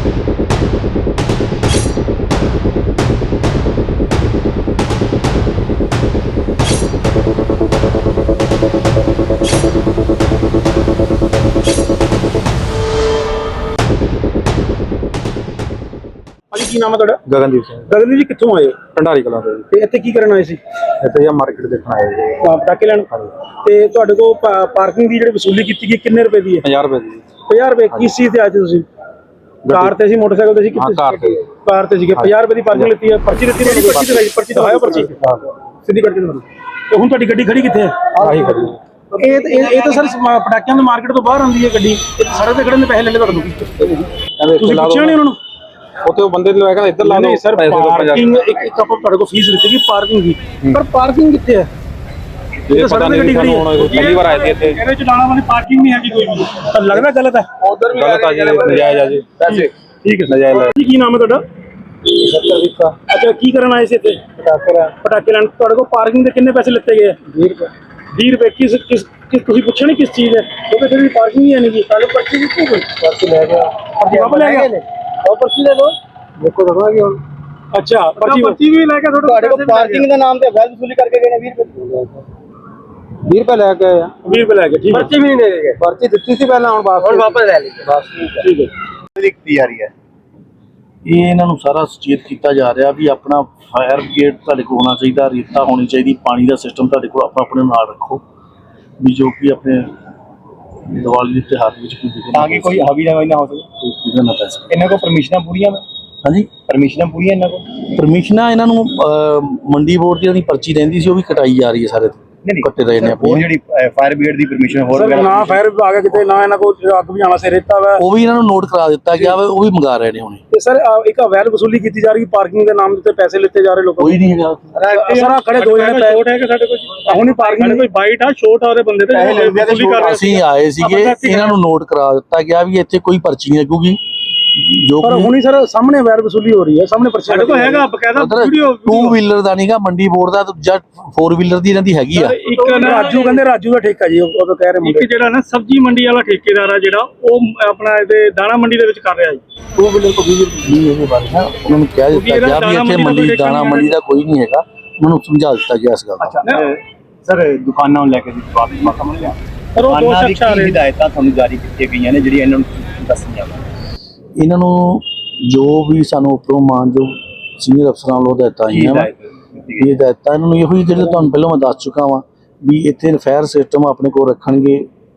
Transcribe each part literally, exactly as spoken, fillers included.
की नाम है तुहाडा? गगनदीप सिंह। गगनदीप जी कित्थों आए हो? ढंडारी कलां ਤੋਂ ਤੇ ਇੱਥੇ ਕੀ ਕਰਨ ਆਏ ਸੀ? ਇੱਥੇ ਜਾਂ ਮਾਰਕੀਟ ਦੇਖਣ ਆਏ ਜੀ। ਪਟਾਕੇ ਲੈਣ। ਤੇ ਤੁਹਾਡੇ ਕੋਲ ਪਾਰਕਿੰਗ ਦੀ ਜਿਹੜੀ ਵਸੂਲੀ ਕੀਤੀ ਗਈ ਕਿੰਨੇ ਰੁਪਏ ਦੀ ਹੈ? ਪੰਜਾਹ ਰੁਪਏ ਦੀ। ਪੰਜਾਹ ਰੁਪਏ ਕਿਸ ਚੀਜ਼ ਤੇ ਆਏ ਤੁਸੀਂ? ਕਾਰ ਤੇ ਸੀ, ਮੋਟਰਸਾਈਕਲ ਤੇ ਸੀ? ਹਾਂ ਕਾਰ ਤੇ। ਕਾਰ ਤੇ ਸੀਗੇ। ਪੰਜਾਹ ਰੁਪਏ ਦੀ ਪਾਰਕਿੰਗ ਲਿੱਤੀ ਹੈ। ਪਰਚੀ ਦਿੱਤੀ ਨਹੀਂ? ਪਰਚੀ ਦਿਖਾਈ, ਪਰਚੀ ਦਿਖਾਓ ਪਰਚੀ ਸਿੱਧੀ ਕੱਟ ਕੇ ਦਿਖਾਓ। ਤੇ ਹੁਣ ਤੁਹਾਡੀ ਗੱਡੀ ਖੜੀ ਕਿੱਥੇ ਹੈ? ਆਹੀ ਖੜੀ ਇਹ ਇਹ ਤਾਂ ਸਰ ਪਟਾਕਿਆਂ ਦੀ ਮਾਰਕੀਟ ਤੋਂ ਬਾਹਰ ਆਉਂਦੀ ਹੈ ਗੱਡੀ। ਸੜਕ ਤੇ ਖੜਨ ਦੇ ਪੈਸੇ ਲੈ ਲੈ ਤੁਹਾਨੂੰ। ਤੁਸੀਂ ਪੁੱਛਿਆ ਨਹੀਂ ਉਹਨਾਂ ਨੂੰ? ਉੱਥੇ ਉਹ ਬੰਦੇ ਨੂੰ ਕਹਿੰਦਾ ਇੱਧਰ ਲਾ ਲਓ ਸਰ। ਪਾਰਕਿੰਗ ਇੱਕ ਇੱਕ ਆਪਾਂ ਤੁਹਾਡੇ ਕੋਲ ਫੀਸ ਲਿੱਤੀ ਪਾਰਕਿੰਗ ਦੀ, ਪਰ ਪਾਰਕਿੰਗ ਕਿੱਥੇ ਹੈ? ਇਹ ਸੜਕ ਤੇ ਗੱਡੀ ਖੜੀ ਹੈ। ਪਹਿਲੀ ਵਾਰ ਆਏ ਸੀ ਇੱਥੇ। ਇਹਦੇ ਚ ਲਾਣਾ ਵਾਲੀ ਪਾਰਕਿੰਗ ਨਹੀਂ ਹੈਗੀ ਕੋਈ ਵੀ। ਤਾਂ ਲੱਗਦਾ ਗਲਤ ਹੈ। ਉਧਰ ਵੀ ਗਲਤ ਆ ਜੀ, ਨਜਾਇਜ਼ ਆ ਜੀ ਪੈਸੇ। ਠੀਕ ਹੈ, ਨਜਾਇਜ਼ ਲੈ। ਕੀ ਨਾਮ ਹੈ ਤੁਹਾਡਾ? ਸਤਰਵੀਕਾ। ਅੱਛਾ, ਕੀ ਕਰਨ ਆਏ ਸੀ ਇੱਥੇ? ਪਟਾਕੇ ਲੈਣ। ਪਟਾਕੇ ਲੈਣ। ਤੁਹਾਡੇ ਕੋਲ ਪਾਰਕਿੰਗ ਦੇ ਕਿੰਨੇ ਪੈਸੇ ਲਿੱਤੇ ਗਏ? ਵੀਹ ਰੁਪਏ। ਵੀਹ ਰੁਪਏ ਕਿਸ ਕਿਸ ਤੁਸੀਂ ਪੁੱਛਿਆ ਨਹੀਂ ਕਿਸ ਚੀਜ਼ ਹੈ? ਕਿਉਂਕਿ ਤੇਰੀ ਪਾਰਕਿੰਗ ਹੀ ਹੈ ਨਹੀਂ। ਕੱਲ ਪਰਚੀ ਦਿੱਤੀ ਕੋਈ? ਪਰਚੀ ਲੈ ਗਿਆ। ਪਰਚੀ ਵਾਪਸ ਲੈ ਗਿਆ। ਉਹ ਪਰਚੀ ਦੇ ਦੋ ਦੇਖੋ ਦਵਾਂਗੇ ਹੁਣ। ਅੱਛਾ, ਪਰਚੀ ਪਰਚੀ ਵੀ ਲੈ ਕੇ ਤੁਹਾਡੇ ਕੋਲ ਪਾਰਕਿੰਗ ਦਾ ਨਾਮ ਤੇ ਅਵੈਧ ਵਸੂਲੀ ਕਰਕੇ ਗਏ ਨੇ। ਵੀਹ ਰੁਪਏ ਵੀਹ ਰੁਪਏ ਲੈ ਕੇ ਆਏ ਆ। ਵੀਹ ਰੁਪਏ ਲੈ ਕੇ। ਠੀਕ ਹੈ। ਪਰਚੀ ਵੀ ਨਹੀਂ ਦੇ ਗਏ। ਪਰਚੀ ਦਿੱਤੀ ਸੀ ਪਹਿਲਾਂ, ਹੁਣ ਵਾਪਸ ਹੁਣ ਵਾਪਸ ਲੈ ਲਈ। ਬਸ ਠੀਕ ਹੈ। ਦਿੱਤੀ ਜਾ ਰਹੀ ਹੈ। ਇਹ ਇਹਨਾਂ ਨੂੰ ਸਾਰਾ ਸੁਚੇਤ ਕੀਤਾ ਜਾ ਰਿਹਾ ਵੀ ਆਪਣਾ ਫਾਇਰ ਬ੍ਰਿਗੇਡ ਤੁਹਾਡੇ ਕੋਲ ਹੋਣਾ ਚਾਹੀਦਾ, ਰੇਤਾ ਹੋਣੀ ਚਾਹੀਦੀ, ਪਾਣੀ ਦਾ ਸਿਸਟਮ ਤੁਹਾਡੇ ਕੋਲ ਆਪਣਾ ਆਪਣੇ ਨਾਲ ਰੱਖੋ ਵੀ ਜੋ ਕਿ ਆਪਣੇ ਦੀਵਾਲੀ ਦੇ ਤਿਉਹਾਰ ਵਿੱਚ ਕੋਈ ਦਿਖੇ ਤਾਂ ਕਿ ਕੋਈ ਹਾਵੀ ਨਾ ਨਾ ਹੋ ਸਕੇ। ਨਾ ਪੈਸਾ ਇਹਨਾਂ ਕੋਲ ਪਰਮਿਸ਼ਨਾਂ ਪੂਰੀਆਂ ਨੇ? ਹਾਂਜੀ, ਪਰਮਿਸ਼ਨਾਂ ਪੂਰੀਆਂ ਇਹਨਾਂ ਕੋਲ? ਪਰਮਿਸ਼ਨਾਂ ਇਹਨਾਂ ਨੂੰ ਮੰਡੀ ਬੋਰਡ ਦੀ ਜਿਹੜੀ ਪਰਚੀ ਰਹਿੰਦੀ ਸੀ ਉਹ ਵੀ ਕਟਾਈ ਜਾ ਰਹੀ ਹੈ। ਸਾਰੇ ਕੱਟੇ ਰਹੇ ਨੇ ਉਹ ਜਿਹੜੀ ਫਾਇਰ ਬ੍ਰਿਗੇਡ ਦੀ ਪਰਮਿਸ਼ਨ ਹੋਰ ਨਾ ਫਾਇਰ ਵਿਭਾਗ ਹੈ ਕਿਤੇ, ਨਾ ਇਹਨਾਂ ਕੋਲ ਅੱਗ ਬੁਝਾਉਣ ਵਾਸਤੇ ਰੇਤਾ ਵਾ, ਉਹ ਵੀ ਇਹਨਾਂ ਨੂੰ ਨੋਟ ਕਰਾ ਦਿੱਤਾ ਗਿਆ ਵਾ, ਉਹ ਵੀ ਮੰਗਾ ਰਹੇ ਨੇ ਹੁਣੇ। ਤੇ ਸਰ ਇੱਕ ਅਵੈਧ ਵਸੂਲੀ ਕੀਤੀ ਜਾ ਰਹੀ, ਪਾਰਕਿੰਗ ਦੇ ਨਾਮ ਤੇ ਪੈਸੇ ਲਿੱਤੇ ਜਾ ਰਹੇ ਲੋਕਾਂ। ਕੋਈ ਨਹੀਂ ਹੈਗਾ ਸਰ ਖੜੇ ਦੋ ਜਣੇ ਛੋਟ ਹੈ ਕਿ ਸਾਡੇ ਕੋਲ ਹੁਣ ਹੀ ਪਾਰਕਿੰਗ ਕੋਈ ਬਾਈਟ ਆ ਛੋਟ ਆ ਉਹਦੇ ਬੰਦੇ ਤੇ। ਅਸੀਂ ਆਏ ਸੀਗੇ, ਇਹਨਾਂ ਨੂੰ ਨੋਟ ਕਰਾ ਦਿੱਤਾ ਗਿਆ ਵੀ ਇੱਥੇ ਕੋਈ ਪਰਚੀ ਨਹੀਂ ਲੱਗੂਗੀ। ਜੋ ਪਰ ਹੁਣੀ ਸਰ ਸਾਹਮਣੇ ਅਵੈਧ ਵਸੂਲੀ ਹੋ ਰਹੀ ਹੈ, ਸਾਹਮਣੇ ਪਰਚੀ ਸਾਡੇ ਕੋਲ ਹੈਗਾ ਬਕਾਇਦਾ ਵੀਡੀਓ। ਟੂ ਵੀਲਰ ਦਾ ਨਹੀਂਗਾ, ਮੰਡੀ ਬੋਰਡ ਦਾ ਜਾਂ ਫੋਰ ਵੀਲਰ ਦੀ ਇਹਨਾਂ ਦੀ ਹੈਗੀ ਆ। ਇੱਕ ਰਾਜੂ ਕਹਿੰਦੇ ਰਾਜੂ ਦਾ ਠੇਕਾ ਜੀ, ਉਹ ਤਾਂ ਕਹਿ ਰਹੇ ਮੁੰਡੇ। ਇੱਕ ਜਿਹੜਾ ਨਾ ਸਬਜ਼ੀ ਮੰਡੀ ਵਾਲਾ ਠੇਕੇਦਾਰ ਆ ਜਿਹੜਾ, ਉਹ ਆਪਣਾ ਇਹਦੇ ਦਾਣਾ ਮੰਡੀ ਦੇ ਵਿੱਚ ਕਰ ਰਿਹਾ ਜੀ। ਟੂ ਵੀਲਰ ਤੋਂ ਵੀਲਰ ਨਹੀਂ ਇਹਦੇ ਬਾਰੇ ਨਾ ਉਹਨਾਂ ਨੂੰ ਕਹਿ ਦਿੱਤਾ ਗਿਆ ਵੀ ਇੱਥੇ ਮੰਡੀ ਦਾਣਾ ਮੰਡੀ ਦਾ ਕੋਈ ਨਹੀਂ ਹੈਗਾ, ਉਹਨਾਂ ਨੂੰ ਸਮਝਾ ਦਿੱਤਾ ਗਿਆ ਇਸ ਗੱਲ ਦਾ। ਸਰ ਦੁਕਾਨਾਂ ਨੂੰ ਲੈ ਕੇ ਬਾਤ ਸਮਝ ਲਿਆ ਸਰ, ਉਹ ਦੋ ਸ਼ਖਸ ਆ ਰਹੇ ਹਦਾਇਤਾਂ ਤੁਹਾਨੂੰ ਜਾਰੀ ਕੀਤੀਆਂ ਗਈਆਂ ਨੇ ਜਿਹੜੀਆਂ ਇਹਨਾਂ ਨੂੰ ਦੱਸੀਆਂ। ਇਹਨਾਂ ਨੂੰ ਜੋ ਵੀ ਸਾਨੂੰ ਉੱਪਰੋਂ ਮਾਨਯੋਗ ਸੀਨੀਅਰ ਅਫਸਰਾਂ ਵੱਲੋਂ ਹਦਾਇਤਾਂ ਆਈਆਂ ਵਾ, ਇਹ ਹਦਾਇਤਾਂ ਇਹਨਾਂ ਨੂੰ ਇਹੋ ਹੀ ਜਿਹੜੇ ਤੁਹਾਨੂੰ ਪਹਿਲਾਂ ਮੈਂ ਦੱਸ ਚੁੱਕਾ ਵਾਂ ਵੀ ਇੱਥੇ ਫਾਇਰ ਸਿਸਟਮ ਆਪਣੇ ਕੋਲ ਰੱਖਣਗੇ,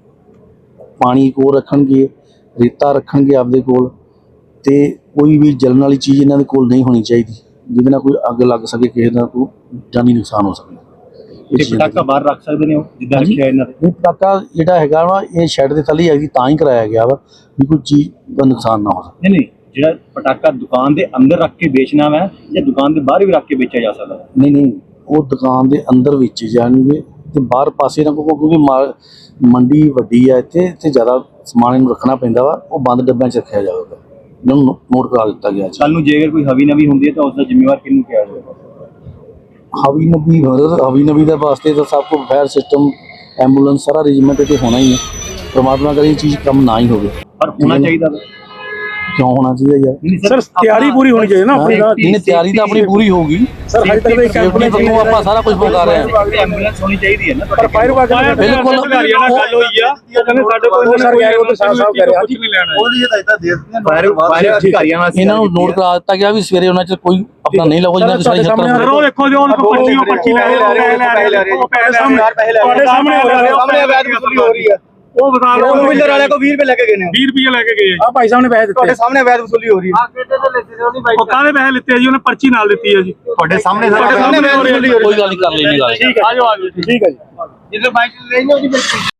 ਪਾਣੀ ਕੋਲ ਰੱਖਣਗੇ, ਰੇਤਾ ਰੱਖਣਗੇ ਆਪਦੇ ਕੋਲ, ਤੇ ਕੋਈ ਵੀ ਜਲਣ ਵਾਲੀ ਚੀਜ਼ ਇਹਨਾਂ ਦੇ ਕੋਲ ਨਹੀਂ ਹੋਣੀ ਚਾਹੀਦੀ ਜਿਹਦੇ ਨਾਲ ਕੋਈ ਅੱਗ ਲੱਗ ਸਕੇ, ਕਿਸੇ ਦਾ ਕੋਈ ਜਾਨੀ ਨੁਕਸਾਨ ਹੋ ਸਕੇ। ਪਟਾਕਾ ਬਾਹਰ ਰੱਖ ਸਕਦੇ ਨੇ ਉਹ ਜਿੱਦਾਂ ਰੱਖਿਆ ਇਹਨਾਂ ਨੇ? ਪਟਾਕਾ ਜਿਹੜਾ ਹੈਗਾ ਵਾ ਇਹ ਸ਼ੈੱਡ ਦੇ ਥੱਲੇ ਹੈਗੀ, ਤਾਂ ਹੀ ਕਰਾਇਆ ਗਿਆ ਵਾ ਵੀ ਕੋਈ ਚੀਜ਼ ਦਾ ਨੁਕਸਾਨ ਨਾ ਹੋ ਸਕੇ। ਨਹੀਂ ਨਹੀਂ, ਜਿਹੜਾ ਪਟਾਕਾ ਦੁਕਾਨ ਦੇ ਅੰਦਰ ਰੱਖ ਕੇ ਵੇਚਣਾ ਵਾ ਜਾਂ ਦੁਕਾਨ ਦੇ ਬਾਹਰ ਵੀ ਰੱਖ ਕੇ ਵੇਚਿਆ ਜਾ ਸਕਦਾ? ਨਹੀਂ ਨਹੀਂ, ਉਹ ਦੁਕਾਨ ਦੇ ਅੰਦਰ ਵੇਚੇ ਜਾਣਗੇ ਤੇ ਬਾਹਰ ਪਾਸੇ ਨਾ, ਕਿਉਂਕਿ ਮੰਡੀ ਵੱਡੀ ਆ, ਇੱਥੇ ਇੱਥੇ ਜ਼ਿਆਦਾ ਸਮਾਨ ਇਹਨੂੰ ਰੱਖਣਾ ਪੈਂਦਾ ਵਾ, ਉਹ ਬੰਦ ਡੱਬਿਆਂ 'ਚ ਰੱਖਿਆ ਜਾਵੇਗਾ। ਇਹਨਾਂ ਨੂੰ ਨੋਟ ਕਰਾ ਦਿੱਤਾ ਗਿਆ। ਕੱਲ ਨੂੰ ਜੇਕਰ ਕੋਈ ਹਵੀ ਨਵੀ ਹੁੰਦੀ ਹੈ ਤਾਂ ਉਸ ਦਾ ਜ਼ਿੰਮੇਵਾਰ ਕਿਹਨੂੰ ਕਿਹਾ ਜਾਵੇਗਾ? ਹਵੀ ਨਬੀ ਹਵੀ ਨਬੀ ਦੇ ਵਾਸਤੇ ਤਾਂ ਸਭ ਕੁਝ ਫਾਇਰ ਸਿਸਟਮ, ਐਂਬੂਲੈਂਸ, ਸਾਰਾ ਅਰੇਂਜਮੈਂਟ ਤੇ ਹੋਣਾ ਹੀ ਹੈ। ਪਰਮਾਤਮਾ ਕਰੇ ਇਹ ਚੀਜ਼ ਕੰਮ ਨਾ ਹੀ ਹੋਵੇ। ਪਰ ਹੋਣਾ ਚਾਹੀਦਾ ਕਿਉਂ ਹੋਣਾ ਚਾਹੀਦਾ ਯਾਰ? ਸਰ ਤਿਆਰੀ ਪੂਰੀ ਹੋਣੀ ਚਾਹੀਦੀ ਨਾ ਆਪਣੀ। ਇਹਨੇ ਤਿਆਰੀ ਤਾਂ ਆਪਣੀ ਪੂਰੀ ਹੋਊਗੀ ਸਰ, ਹਜੇ ਤੱਕ ਇੱਕ ਐਂਬੂਲੈਂਸ ਨੂੰ ਆਪਾਂ ਸਾਰਾ ਕੁਝ ਮੰਗਾ ਰਹੇ ਹਾਂ। ਐਂਬੂਲੈਂਸ ਹੋਣੀ ਚਾਹੀਦੀ ਹੈ ਨਾ। ਪਰ ਫਾਇਰ ਵਿਭਾਗ ਬਿਲਕੁਲ ਅਧਿਕਾਰੀਆਂ ਨਾਲ ਗੱਲ ਹੋਈ ਆ, ਉਹ ਕਹਿੰਦੇ ਸਾਡੇ ਕੋਲ ਸਰ ਗਏ ਉਹ ਤੇ ਸਾਫ ਸਾਫ ਕਹਿ ਰਿਹਾ ਕੁਝ ਨਹੀਂ ਲੈਣਾ। ਉਹਦੀ ਹਦਾਇਤਾਂ ਦੇ ਦਿੱਤੀਆਂ ਫਾਇਰ ਅਧਿਕਾਰੀਆਂ ਨਾਲ। ਇਹਨਾਂ ਨੂੰ ਨੋਟ ਕਰਾ ਦਿੱਤਾ ਗਿਆ ਵੀ ਸਵੇਰੇ ਉਹਨਾਂ 'ਚ ਕੋਈ ਆਪਣਾ ਨਹੀਂ ਲਾਓ, ਜਿਹਨਾਂ ਸਾਡੇ ਸਾਹਮਣੇ ਸਰ ਉਹ ਦੇਖੋ ਜੋ ਉਹਨਾਂ ਕੋਲ ਪਰਚੀ, ਉਹ ਪਰਚੀ ਲੈ ਰਹੇ ਨੇ, ਉਹ ਪੈਸੇ ਸਾਹਮਣੇ ਤੁਹਾਡੇ ਸਾਹਮਣੇ ਹੋ ਰਿਹਾ, ਸਾਹਮਣੇ ਅਵੈਧ ਵਸੂਲੀ ਹੋ ਰਹੀ ਹੈ। ਉਹ ਬਤਾ ਰਹੇ ਉਹ ਵੀਲਰ ਵਾਲੇ ਕੋ ਵੀਹ ਰੁਪਏ ਲੈ ਕੇ ਗਏ ਨੇ, ਵੀਹ ਰੁਪਏ ਲੈ ਕੇ ਗਏ ਆ ਭਾਈ ਸਾਹਿਬ ਨੇ ਪੈਸੇ ਦਿੱਤੇ। ਤੁਹਾਡੇ ਸਾਹਮਣੇ ਅਵੈਧ ਵਸੂਲੀ ਹੋ ਰਹੀ ਹੈ। ਉਹ ਕਾਹਦੇ ਪੈਸੇ ਲਿੱਤੇ ਜੀ? ਉਹਨੇ ਪਰਚੀ ਨਾਲ ਦਿੱਤੀ ਹੈ ਜੀ। ਤੁਹਾਡੇ ਸਾਹਮਣੇ ਤੁਹਾਡੇ ਸਾਹਮਣੇ ਅਵੈਧ ਵਸੂਲੀ ਹੋ ਰਹੀ ਹੈ। ਕੋਈ ਗੱਲ ਨਹੀਂ, ਕਰ ਲੈਣੇ ਗੱਲ। ਠੀਕ ਹੈ, ਆਜੋ ਆਜੋ, ਠੀਕ ਹੈ ਜੀ। ਜਦੋਂ ਬਾਈਕ ਲੈ ਲੈਣੀ ਉਹਦੀ